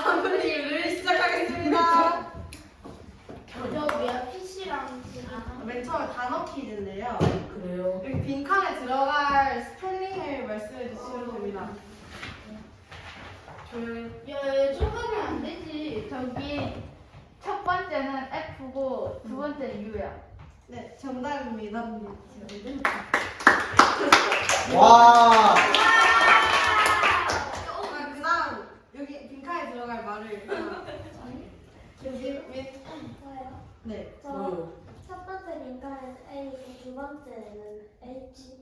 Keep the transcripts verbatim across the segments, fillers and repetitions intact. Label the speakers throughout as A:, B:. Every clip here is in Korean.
A: 리뷰를 시작하겠습니다.
B: 저기야 피씨랑
A: 맨 처음에 단어 퀴즈인데요.
C: 그래요?
A: 여기 빈칸에 들어갈 스펠링을 말씀해 주시면 됩니다. 조용히.
B: 야, 좁으면 안 되지. 저기 첫 번째는 F고 두 번째는 U야.
A: 네, 정답입니다.
D: 와.
A: 아, 그다음 여기 빈칸에 들어갈 말을 여기 밑.
E: 뭐예요?
A: 네.
E: 저
C: 뭐요?
E: 첫 번째 민간은 A, 두 번째는 H,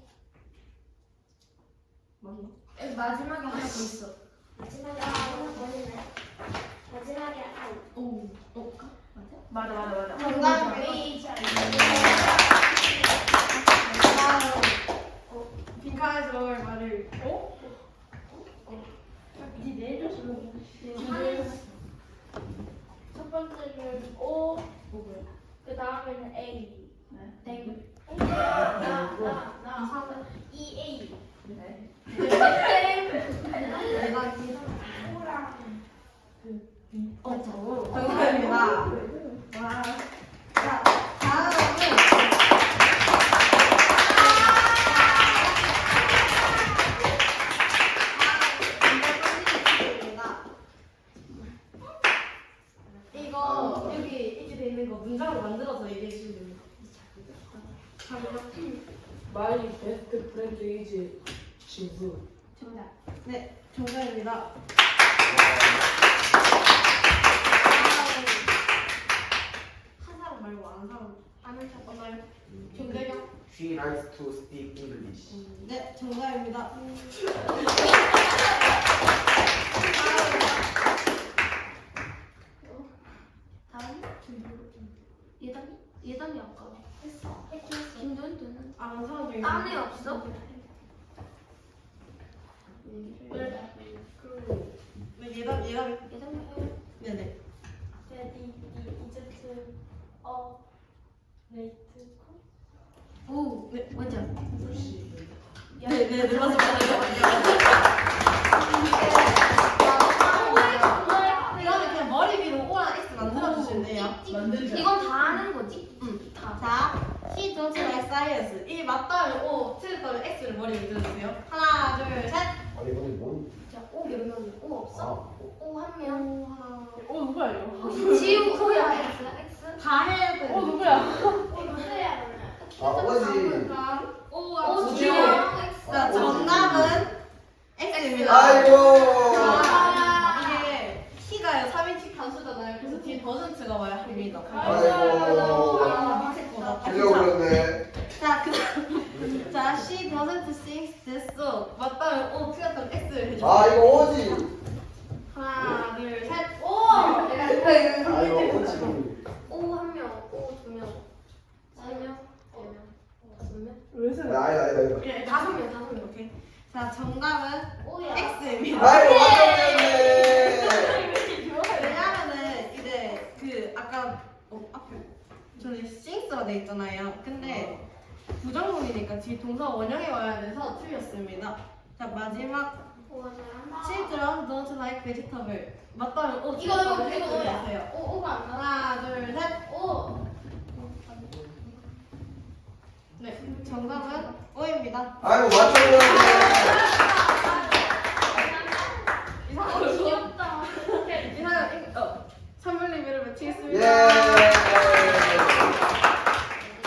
A: 맞나?
B: 마지막에 하나 더 있어.
E: 마지막에 하나 버리네. 마지막에 I.
B: 오, 오, 맞아? 맞아, 맞아, 맞아.
A: 정답입니다.
B: H.
A: 그다음 어, 빈칸에 들어갈 말을 어?
B: 니 내려줘. 첫 번째는 O, 그 다음에는 A. 땡. 나, 나, 나. E, A. 네.
A: 내가 이
B: O랑
A: 어, 정답입니다. 와. 자, 다음은 이거 여기 이렇게 돼 있는 거 문장으로 만들어서 얘기해 주시면 됩니다.
C: My best friend is 친구.
B: 정답.
A: 네, 정답입니다. 한 사람 말고 안 사람 아는 사람 없나요? 정답이요?
D: She likes to speak English.
A: 네, 정답입니다.
B: 다음 예담이? 예담이 아까
E: 했어.
B: 김도현도는
A: 아는 사람 중에
B: 딴 애 없어?
A: 네, 예담 예담.
B: 예담이
A: 네네.
E: 레디, 이집트, 어, 레이트, 코.
B: 오,
A: 네.
B: 맞아.
A: 네, 네, 눌러서 받아요. 이거는 그냥 머리 위로 O랑 X 만들어 주시면 돼요.
C: 만들자.
B: 이건 다 하는 거지?
A: 응.
B: 다.
A: 자, he don't like science. 이 맞다면 O, 틀렸다면 X를 머리 위로 들어주세요. 하나, 둘, 셋.
D: 아니 근데 뭔?
B: 자, O 몇 명? O 없어?
D: 아,
B: O 한 명.
A: O 하나.
C: 어 누구야 이거?
B: 지우, O야, X, X.
A: 다 해야 돼.
C: 어 누구야?
D: 아 어지.
A: O와
B: O,
A: 지우.
B: 지우랑 X.
A: 자, 정답은 X입니다.
D: 아이고.
A: 자, 이게 키가요 삼 인치 단수잖아요. 그래서 뒤에 더센트가 와야 합니다.
D: 아이고.
A: 아, 밑에보다.
D: 틀려버렸네.
A: 자, 그 자, she doesn't sing this song. 맞다면 O, 틀렸다면 X를 해줘.
D: 아 이거 오지.
A: 하나, 둘, 셋.
B: O!
D: 아이고 오지.
B: O 한 명, O 두 명, 세 명, 네 명, 다섯 명.
C: 왜 세?
D: 아니다 아니다 아니다.
A: 오케이,
B: 다섯 명, 다섯 명.
A: 오케이. 자, 정답은
B: O야.
A: X입니다.
D: 아이고 맞췄네.
A: 왜냐면은 이제 그 아까 어, 앞에 저는 싱스가 돼 있잖아요. 근데 부정문이니까 뒤 동사 원형이 와야 돼서 틀렸습니다. 자, 마지막 children don't like vegetable. 맞다면 O.
B: 이거, 이거, 이거
A: X를
B: O야.
A: 주세요.
B: O, O가 안 나와.
A: 하나, 둘, 셋.
B: O.
A: 네, 정답은 O입니다.
D: 아이고 맞췄네.
A: 이상한
B: 귀엽다.
A: 이상한 어 선물 리뷰를 마치겠습니다.
D: 예.